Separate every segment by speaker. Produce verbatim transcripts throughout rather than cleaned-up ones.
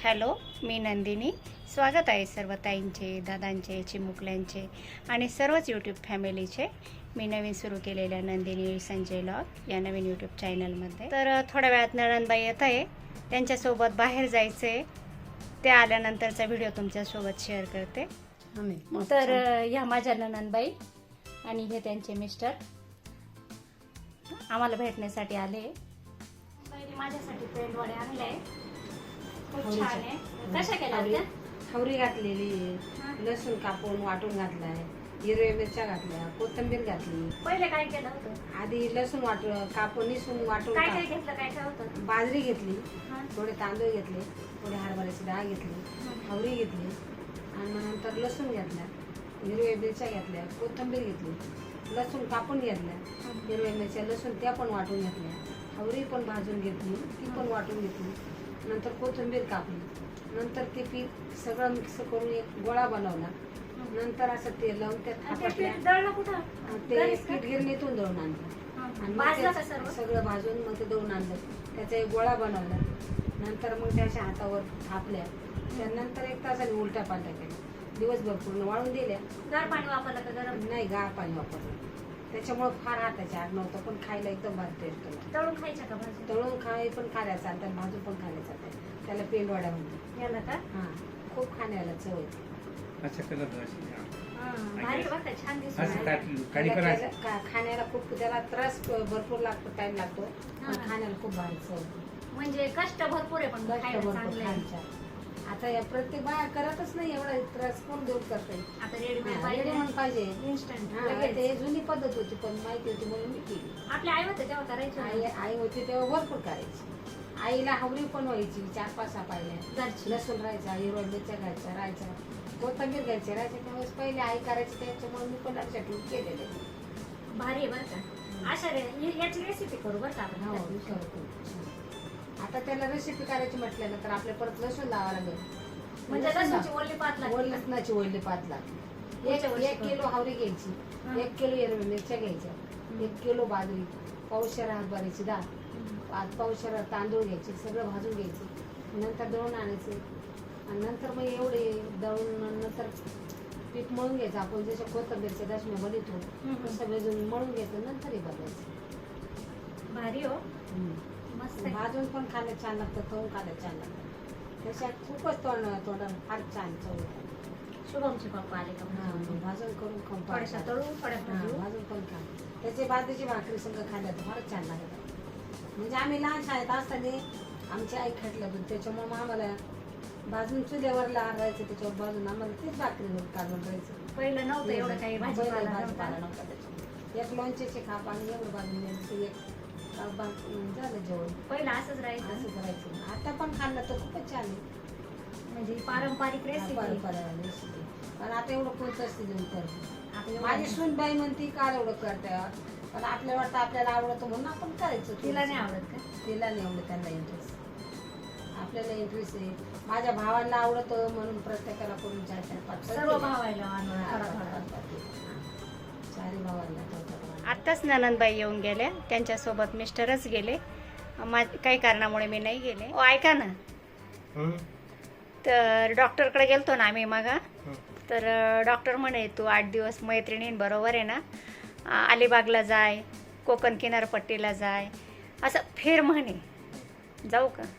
Speaker 1: Hello, मी नंदिनी. स्वागत आहे सर्व ताईंचे, दादांचे, चिमुकल्यांचे आणि सर्वच यूट्यूब फॅमिलीचे मी नवीन सुरू केलेल्या नंदिनी संजय लॉग या नवीन यूट्यूब चॅनलमध्ये. तर थोड्या वेळात नणंदबाई येत आहे, त्यांच्यासोबत बाहेर जायचं आहे. ते आल्यानंतरचा व्हिडिओ तुमच्यासोबत शेअर करते. तर ह्या माझ्या नणंदबाई आणि हे त्यांचे मिस्टर आम्हाला भेटण्यासाठी आले. पहिले माझ्यासाठी पेंट वडे आणले, खूप छान आहे. कशा केल्या त्या?
Speaker 2: हवरी घातलेली, लसूण कापून वाटून घातलाय, हिरव्या मिरच्या घातल्या, कोथिंबीर घातली.
Speaker 1: पहिले काय केलं होतं?
Speaker 2: आधी लसूण वाट कापून निसून वाटून
Speaker 1: काय काय घेतलं, काय काय होतं?
Speaker 2: बाजरी घेतली, थोडे तांदूळ घेतले, थोडे हरभऱ्याची डाळ घेतली, हवरी घेतली आणि मग नंतर लसूण घेतला, हिरव्या मिरच्या घेतल्या, कोथिंबीर घेतली, लसूण कापून घेतल्या, हिरव्या मिरच्या लसूण त्या पण वाटून घेतल्या, हवरी पण भाजून घेतली, ती पण वाटून घेतली, नंतर कोथिंबीर कापली, नंतर ते पीठ सगळं मिक्स करून एक गोळा बनवला. नंतर असं तेल लावून त्यात थापटल्या, ते पीठ गिरणीतून दळून आणलं आणि सगळं भाजून मग ते दळून आणलं. त्याचा एक गोळा बनवला. नंतर मग त्याच्या हातावर थापल्या. त्यानंतर एक तासाने उलट्या पालट्या केल्या, दिवसभर पूर्ण वाळून दिल्या.
Speaker 1: गार पाणी वापरलं का गरम?
Speaker 2: नाही, गार पाणी वापरलं. त्याच्यामुळे फार हाताच्या आग नव्हतं, पण खायला एकदम भारी टेस्ट होतं.
Speaker 1: तळून खायच्या का भाजी?
Speaker 2: तळून खाय पण खायला चालतात, भाजून पण खायला चालतात. त्याला पेंड वडा म्हणतात.
Speaker 1: याला का?
Speaker 2: हा, खूप खाण्याला चव येते.
Speaker 3: अच्छा कलर
Speaker 1: भारी बघा, छान दिसत
Speaker 3: असं
Speaker 1: आहे.
Speaker 3: काढ- काढी पण असं.
Speaker 2: खा- खाण्याला खूप त्याला त्रास भरपूर लागतो, टाइम लागतो, पण खाण्याला खूप भारी चव येते.
Speaker 1: म्हणजे कष्ट भरपूर आहे, पण
Speaker 2: कष्ट
Speaker 1: खायला
Speaker 2: भरपूर
Speaker 1: चांगलं आहे.
Speaker 2: खायच्या. आता या प्रत्येक बाया करतच नाही एवढा त्रास, कोण देऊ करते.
Speaker 1: आता रेडीमेड
Speaker 2: रेडी
Speaker 1: पाहिजे,
Speaker 2: म्हणून पाहिजे.
Speaker 1: इन्स्टंट
Speaker 2: हा, ते जुनी पद्धत होती, पण माहिती होती म्हणून मी केली.
Speaker 1: आपल्या आई होते तेव्हा करायचं.
Speaker 2: आई आई होती तेव्हा भरपूर करायची. आईला हवरी पण व्हायची, चार पाच सहा पाहिल्या.
Speaker 1: घरची.
Speaker 2: लसूण राहायचा, हिरव्या मिरच्या घ्यायच्या, राहायचा, कोथिंबीर घ्यायची, राहायच्या. त्यावेळेस पहिले आई करायची, त्याच्यामुळे मी पण लक्षात ठेवून केलेले.
Speaker 1: भारी आहे बरं का. अशा रे हि- याची रेसिपी करू बरं का आपण.
Speaker 2: हो, करतो. आता त्याला रेसिपी करायची म्हटलं तर आपल्या परत लसूण लावा लागेल.
Speaker 1: म्हणजे लसूणची ओली पात लागते.
Speaker 2: ओली लसणाची ओली पात लागते. एक
Speaker 1: वर्षी
Speaker 2: एक किलो हवरी घ्यायची,
Speaker 1: हा.
Speaker 2: एक किलो हिरव्या मिरच्या घ्यायच्या, एक किलो बाजरी, पावशेर हरभऱ्याची डाळ, पाच पावशेर तांदूळ घ्यायचे, सगळं भाजून घ्यायचं, नंतर दळून आणायचे आणि नंतर मग एवढे दळून नंतर पीठ मळून घ्यायचं. आपण जशा कोथिंबीरच्या दशम्या बनवतो तसं वेजून मळून घ्यायचं, नंतर हे बदलायचं.
Speaker 1: भारी हो, मस्त आहे.
Speaker 2: भाजून पण खायला छान लागतं, तळून खायला छान लागतं. त्याच्यात खूपच तोंड तोंडाला फार छान चव येते.
Speaker 1: शुभमचे पप्पा आले का?
Speaker 2: हा, भाजून करून खाऊन
Speaker 1: थोड्याशा तळून थोड्या
Speaker 2: हा,
Speaker 1: भाजून.
Speaker 2: भाजून पण खा. त्याचे बाजरीची भाकरी सगळं खायला तर फारच छान लागतं. म्हणजे आम्ही लहान शाळेत असताना आमची आई खाटलं होती, त्याच्यामुळे मग आम्हाला भाजून चुल्यावर लहान राहायचं, त्याच्यावर भाजून आम्हाला तीच भाकरी काढून राहायचं.
Speaker 1: पहिलं नव्हतं एवढं काही भाजीपाला
Speaker 2: भाजीपाला
Speaker 1: नव्हता.
Speaker 2: नव्हता त्याच्यात. एक लोणच्याचे खाप आणि एवढं भाजून घ्यायचं, एक काप भाजून झालं जेवण.
Speaker 1: पहिलं असंच राहायचं.
Speaker 2: असं करायचं. आता पण खाल्लं तर खूपच छान आहे.
Speaker 1: म्हणजे पारंपरिक रेसिपी.
Speaker 2: परंपरा रेसिपी. पण आता एवढं कोणतं असते देऊन करतो.
Speaker 1: आपल्या
Speaker 2: माझी सूनबाई म्हणती का एवढं करते, पण आपल्याला वाटतं आपल्याला आवडतं म्हणून आपण करायचं.
Speaker 1: तिला नाही आवडत का?
Speaker 2: तिला नाही आवडत, त्यांना इंटरेस्ट. आपल्याला इंटरेस्ट आहे. माझ्या भावाला आवडतं म्हणून प्रत्येकाला करून चार चार पाच
Speaker 1: सर्व भावायला आणून थोडा थोडा.
Speaker 2: चारी भावाला.
Speaker 1: आत्ताच ननंदबाई येऊन गेल्या, त्यांच्यासोबत मिस्टरच गेले. मा काही कारणामुळे मी नाही गेले. ओ ऐका ना, तर डॉक्टरकडे गेलतो ना आम्ही मगा. तर डॉक्टर म्हणे तू आठ दिवस मैत्रिणींबरोबर आहे ना अलिबागला जाय, कोकण किनारपट्टीला जाय, असं फिर म्हणे. जाऊ का?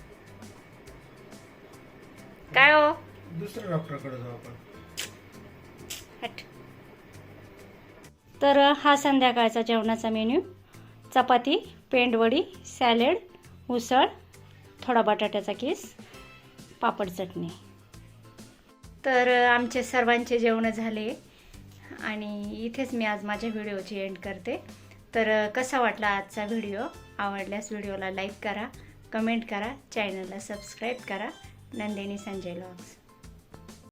Speaker 1: काय हो?
Speaker 3: दुसऱ्या डॉक्टरकडे जाऊ आपण.
Speaker 1: हट. तर हा संध्याकाळचा जेवणाचा मेन्यू: चपाती, पेंडवडी, सॅलेड, उसळ, थोडा बटाट्याचा किस, पापड, चटणी. तर आमचे सर्वांचे जेवणं झाले आणि इथेच मी आज माझ्या व्हिडिओची एंड करते. तर कसा वाटला आजचा व्हिडिओ? आवडल्यास व्हिडिओला लाईक करा, कमेंट करा, चॅनलला सबस्क्राईब करा. नंदिनी संजय लॉग्स.